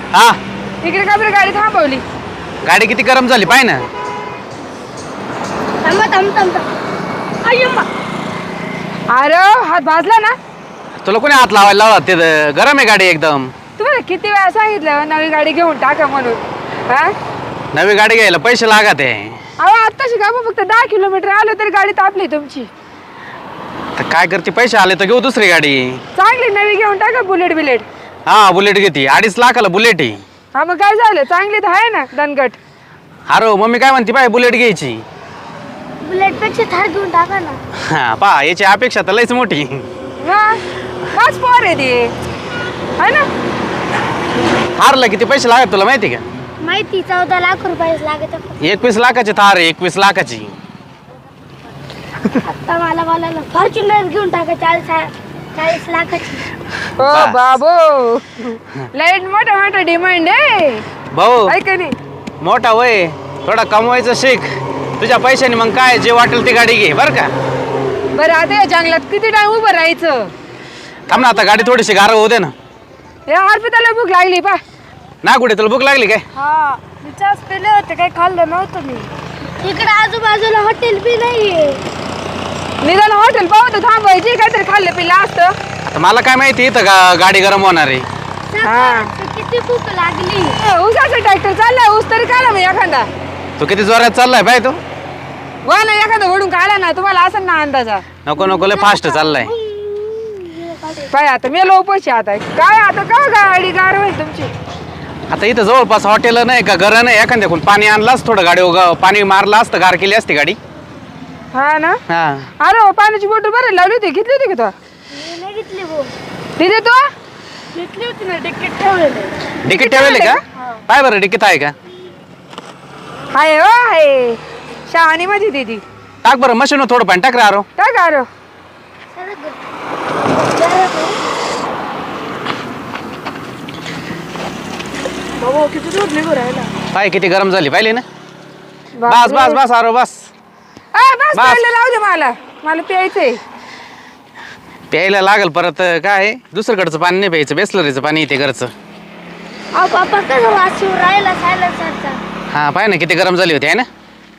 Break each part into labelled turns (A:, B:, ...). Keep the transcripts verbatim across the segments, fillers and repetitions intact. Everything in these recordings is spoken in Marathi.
A: हा
B: इकडे का बरं गाडी थांबवली?
A: गाडी किती गरम झाली पाय ना.
C: थांबा थांब थांब थांब अय्यम्मा.
B: अरे हात भाजला ना.
A: तुला कोणी हात लावायला लावला? ते गरम आहे गाडी एकदम.
B: तुम्हाला किती वेळा सांगितलं नवी गाडी घेऊन टाका म्हणून. हा
A: नवी गाडी घ्यायला पैसे लागत आहे.
B: अहो आत्ताशी का फक्त दहा किलोमीटर आलो तरी गाडी तापली तुमची.
A: तर काय करते, पैसे आले तर घेऊ दुसरी गाडी.
B: चांगली नवी घेऊन टाका बुलेट बिलेट.
A: हा बुलेट घेते, अडीच लाखाला बुलेट आहे.
B: हा मग काय झालं, चांगली तर आहे ना दणगट.
A: अरे मम्मी काय म्हणते पाय, बुलेट घ्यायची.
C: बुलेट पेक्षा थार घेऊन टाका ना.
A: हा पा याची अपेक्षा तर लयच मोठी.
B: हा पाच पोर आहे ते है ना.
A: थारला किती पैसे लागत तुला माहिती का?
C: माहिती चौदा लाख रुपये लागत.
A: एकवीस लाखाची थार आहे, एकवीस लाखाची.
C: आता मला बोलायला फॉर्च्युनर घेऊन टाका चाळीस चाळीस लाखाची.
B: ओ बाबो लाईट मोठा मोठा डिमांड आहे
A: भाऊ
B: आहे का नाही.
A: मोठा वय, थोडा कमवायचं शिक. तुझ्या पैशाने मग काय जे वाटेल ती गाडी घे बर का.
B: बरं आता या जंगलात किती टाइम उभं राहायचं.
A: थांब ना, आता गाडी थोडीशी गारव होऊ दे ना.
B: हे अर्पिताला भूक लागली पा.
A: ना कुठे तुला भूक लागली काय?
C: हा मी चास पेले होते, काही खाल्लं नव्हतं मी. इकडे आजूबाजूला हॉटेल बी नाहीये.
B: निदान हॉटेल पाहू तर थांबायची, काहीतरी खाल्लं पिल्लं असतं.
A: आता मला काय माहिती इथं गा गाडी गरम होणार आहे.
C: सकाळची किती भूक लागली.
B: ऊसाचा ट्रॅक्टर चाललाय, ऊस तरी काढा मग एखादा.
A: तू किती जोरात चाललाय पाय तू.
B: वा ना एखादा ओढून काढा ना, तुम्हाला असं ना अंदाजा.
A: नको नको लय फास्ट चाललाय.
B: पाय आता मी लोपशी आता काय आता का गाडी गार होईल तुमची.
A: आता इथं जवळपास हॉटेल नाही का, घर नाही, एखाद्या कोण पाणी आणलं थोडं गाडी उगा पाणी मारलं असतं, गार केली असती गाडी.
B: हा ना.
A: हा
B: अरे हो, पाण्याची बॉटल बरं लावली होती, घेतली होती का
C: मी नाही घेतली भाऊ.
B: तू तिथे तू
C: घेतली होती ना, तिकीट ठेवलेलं.
A: डिकीट ठेवले का? पाय बरं डिकीट आहे का?
B: हाय हो हाय शहाणी माझी दीदी.
A: टाक बरं मशीन थोडं पाणी टाक रे आरो.
B: काय गारो
C: बाबा किती दूर निघू राहिला.
A: पाय किती गरम झाली पाहिली ना. बस बस बस आरो बस.
B: आ, बस
A: बस.
B: प्यायला लावू दे मला, मला प्यायचंय.
A: प्यायला लागल परत काय, दुसरीकडचं पाणी नाही प्यायचं, बेसलरीचं पाणी येते घरचं.
C: अहो बाबा कसं वास येऊन राहिला सायलेन्सरचा.
A: हा पाय ना किती गरम झाली होती आहे ना.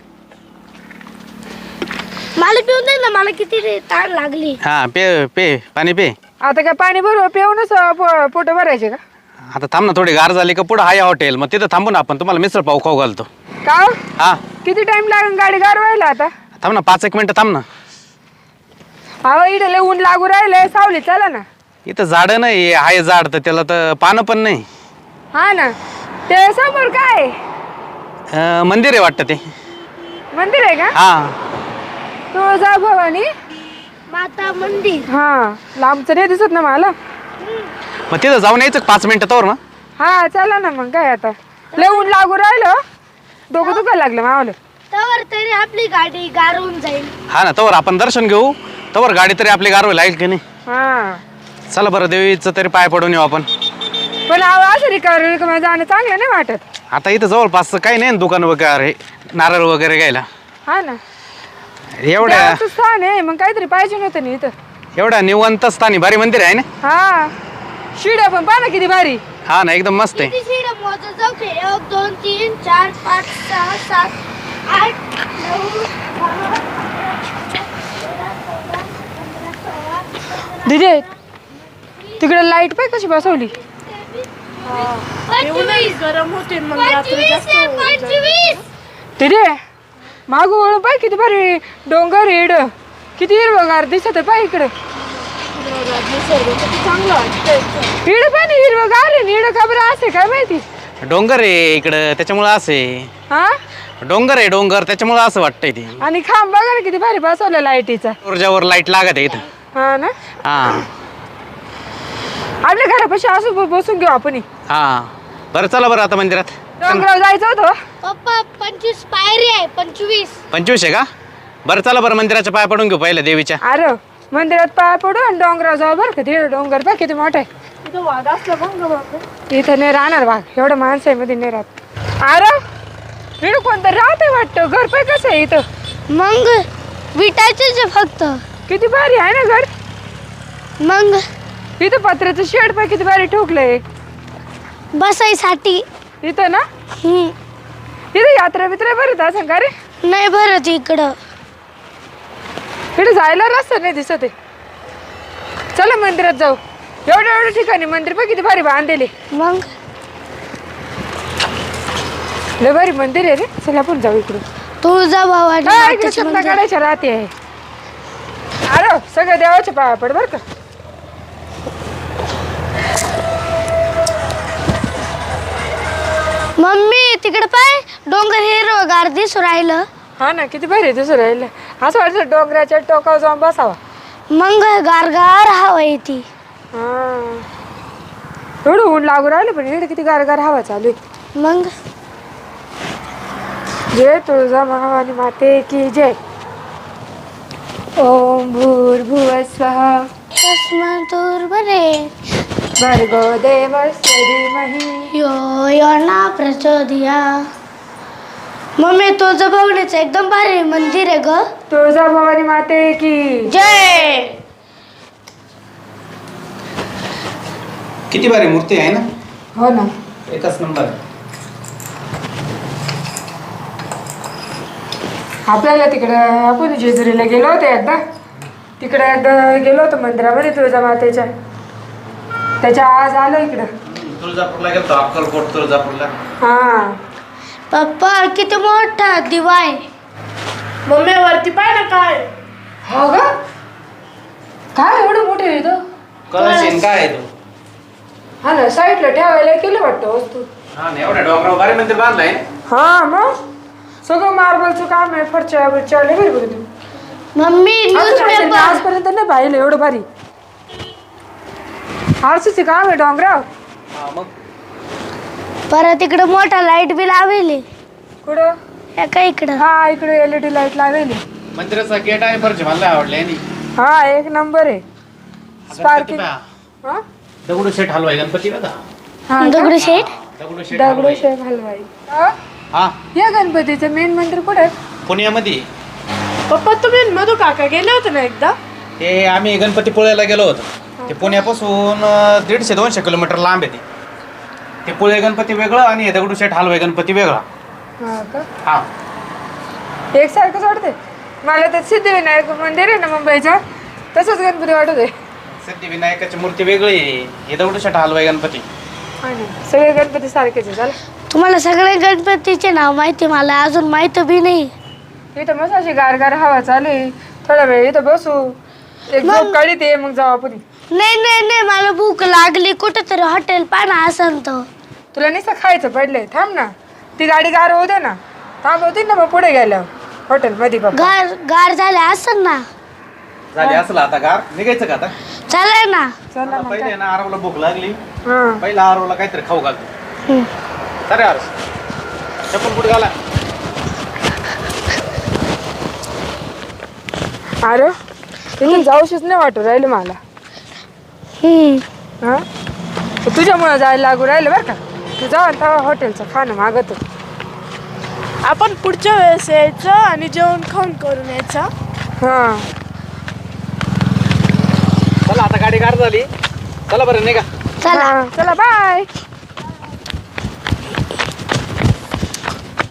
C: मला पिऊन दे ना, मला किती ताण लागली.
A: हा पे पे पाणी पे.
B: आता काय पाणी भरू पिऊनच पोट भरायचे का?
A: आता थांब ना, थोडी गार झाली का पुढं आहे हॉटेल, मग तिथं थांबू ना आपण, तुम्हाला मिसळ पाव खाऊ घालतो.
B: का हो?
A: हा
B: किती टाइम लागेल गाडी गार व्हायला आता?
A: थांब ना, पाच एक मिनिटं थांब ना.
B: अहो इथे लय ऊन लागू राहिलंय, सावली चला ना.
A: इथं झाडं नाही आहे, झाड तर त्याला तर पानं पण नाही.
B: हा ना. ते समोर काय
A: अं, मंदिर आहे वाटतं ते.
B: मंदिर आहे का?
A: हा
B: तुळजा भवानी
C: माता मंदिर.
B: हा लांबचं नाही दिसत ना मला.
A: मग तिथं जाऊन यायचं का पाच मिनिटं तोवर ना.
B: हा चला ना मग काय आता, लय ऊन लागू राहिलं, डोकं दुखायला लागलं मावलं.
C: तर तरी आपली गाडी गारून जाईल.
A: हा ना, तोवर आपण दर्शन घेऊ, तोवर गाडी तरी आपली गारवी लागेल की नाही.
B: हा
A: चला बरं, देवीचं तरी पाय पडून येऊ आपण.
B: पण अहो असं रिकाम रिकाम जाणं चांगलं नाही वाटत.
A: आता इथं जवळपास काही नाही ना दुकान वगैरे, नारळ वगैरे घ्यायला.
B: हा ना.
A: एवढ्या
B: देवाचं स्थान आहे, मग काहीतरी पाहिजे नव्हतं ना इथं.
A: एवढ्या निवंत स्थानी भारी मंदिर आहे ना.
B: हा शिड्या पण पाहा ना किती भारी.
A: हा ना एकदम मस्त आहे.
C: किती शिड्या मोजत जाऊ की? एक दोन तीन चार पाच सहा सात आठ नऊ
B: दिदे तिकडे लाईट पाय कशी बसवली.
C: पंचवीस गरम होते मग रात्री जास्त पंचवीस.
B: दिदे मागू वळून पाय किती भारी डोंगर इड, किती हिरवगार दिसत आहे पाय इकडं.
C: चांगलं वाटतं.
B: इड पण हिरवगार आहे, इड का बरं असे काय माहिती.
A: डोंगर आहे इकडं त्याच्यामुळं असे.
B: हा
A: डोंगर आहे डोंगर त्याच्यामुळं असं वाटतंय ते.
B: आणि खांब बघा ना किती भारी बसवलं लाईटीचा.
A: ऊर्जावर लाईट लागत आहे इथं.
B: हा ना.
A: हा
B: आपल्या घरापाशी असं ब- बसून घेऊ आपण.
A: हा बरं चला बरं आता मंदिरात.
B: डोंगरावर जायचं होतं.
C: पप्पा पंचवीस पायरी आहे. पंचवीस
A: पंचवीस आहे का? बरं चला बरं मंदिराच्या पाय पडून घेऊ पहिल्या देवीच्या.
B: अरे मंदिरात पाय पडू आणि डोंगरावर जाऊ बरं का. तिकडे डोंगर बघ किती मोठा आहे.
C: इथं वाघ असला बघ.
B: इथं नाही राहणार वाघ, एवढं माणसं आहे मध्ये नाही राहत. अरे इकडं कोणतं राहत आहे वाटतं. घर पाय कसं आहे इथं.
C: मग विटायचे फक्त.
B: किती भारी आहे ना घर.
C: मग
B: इथं पत्र्याचं शेड पाय किती भारी ठोकलंय.
C: बसायसाठी.
B: इथं ना
C: हम्म.
B: इथं यात्रा बित्रा भरत असं का रे?
C: नाही भरत इकडं.
B: इकडे जायला रस्ता नाही दिसत आहे. चला मंदिरात जाऊ. एवढ्या एवढ्या ठिकाणी मंदिर पण किती भारी बांधलेले.
C: मग
B: लय भारी मंदिर आहे रे. चला आपण जाऊ इकडून.
C: तुळजाभवानी
B: हा, इकडे
C: मातेचं
B: सत्ता
C: मंदिर.
B: काढायच्या राहते आहे. अरे सगळं देवाच्या पाया पड बर का.
C: मम्मी तिकडे पाय डोंगर हिरवगार दिसू राहिलं.
B: हा ना किती भारी दिसू राहिलं. असं वाटतं डोंगराच्या टोकावर जाऊन बसावा.
C: मग गारगार हवा येते.
B: हा एवढं ऊन लागू राहिलं पण इकडे किती गारगार हवा चालू आहे.
C: मग
B: जय तुळजा भवानी माते की जय. ओम भूर्भुवः स्वः
C: तस्मातुर्वरे
B: भर्गो देवस्य धीमहि
C: यो यो ना प्रचोदया. मम्मी तुळजाभवानीचं एकदम भारी मंदिर आहे ग.
B: तुळजा भवानी माते की
C: जय.
A: किती भारी मूर्ती आहे ना.
B: हो ना.
A: एकच नंबर.
B: आपल्याला तिकडं आपण जेजुरीला गेलो होतो एकदा. तिकडे एकदा गेलो होतो मंदिरामध्ये तुळजा मातेच्या. त्याच्या आज आलो इकडं.
A: तुळजापूरला गेलो अक्कलकोट तुळजापूरला.
B: हा
C: पप्पा किती मोठा दिवा आहे. मम्मी वरती पाय ना काय.
B: हो ग काय एवढं मोठे आहे तो.
A: कळशीन काय आहे तो.
B: हा ना साईडला ठेवायला केलं वाटतं वस्तू.
A: हा ना एवढ्या डोंगरावर भारी मंदिर बांधलंय.
B: हा मग सगळं मार्बलचं काम आहे. फरच्या बिरच्या लय भारी बरं.
C: मम्मी न्यूज पेपर
B: आजपर्यंत नाही पाहिलं एवढं भारी. आरसीचे काम आहे डोंगराव.
A: हा मग
C: परत इकडे मोठा लाईट बी लावली.
B: कुठं.
C: एका इकडं.
B: हा इकडे एलईडी लाईट लावली.
A: मंदिराचा गेट आहे फरचे मला आवडले.
B: हा एक नंबर आहे. स्पार्किंग. हा
A: दगडू शेठ हलवाई गणपती बघा.
B: हा
C: दगडूशेठ.
A: दगडू शेठ
B: दगडूशेठ हलवाई. हा?
A: हा
B: या गणपतीचं मेन मंदिर कुठे आहे.
A: पुण्यामध्ये.
B: पप्पा तुम्ही मधू काका गेले होते ना एकदा.
A: ते आम्ही गणपतीपुळ्याला गेलो होतो. ते पुण्यापासून अं, दीडशे दोनशे किलोमीटर लांब आहे ते. ते पुळे गणपती वेगळं आणि हे दगडूशेठ हलवाई गणपती वेगळा.
B: हा का
A: हा
B: एकसारखंच वाटते मला. तर सिद्धिविनायक मंदिर आहे ना मुंबईचं तसंच गणपती वाटत आहे.
A: सिद्धिविनायकाची मूर्ती वेगळी आहे. हे दगडूशेठ हलवाई गणपती.
B: सगळे गणपती सारखेच आहे. चला
C: तुम्हाला सगळे गणपतीचे नाव माहिती. मला अजून माहिती बी नाही.
B: इथं मस्त अशी गारगार हवा चालू आहे. थोडा वेळ इथं बसू. एक झोप काढीत ये मग जाऊ आपण.
C: नाही नाही नाही मला भूक लागली. कुठेतरी हॉटेल पाना असन तर.
B: तुला नुसतं खायचं पडलंय. थांब ना ती गाडी गार होऊ दे ना. थांब होती ना मग पुढे गेल्यावर हॉटेल मध्ये बाबा.
C: गार गार झाले असन ना.
A: झाली असलं आता गार निघायचं का आता.
C: चालेल ना.
B: चला मग
A: पहिले
B: काय.
A: ना आरवला भूक लागली.
B: हा
A: पहिला आरवला काहीतरी खाऊ घालतो.
C: हम्म.
A: अरे आरस चप्पल कुठे घाला.
B: अरे इथून जाऊशीच नाही वाटू राहिलं मला.
C: हम्म.
B: हा तुझ्यामुळं जायला लागू राहिलं बरं का. तू जाऊ तेव्हा हॉटेलचं खाणं मागत.
D: आपण पुढच्या वेळेस यायचं आणि जेवण खाऊन करून यायचं.
B: हा
A: चला आता गाडी गार झाली. चला बरं नाही का.
C: चला
B: हा, चला बाय.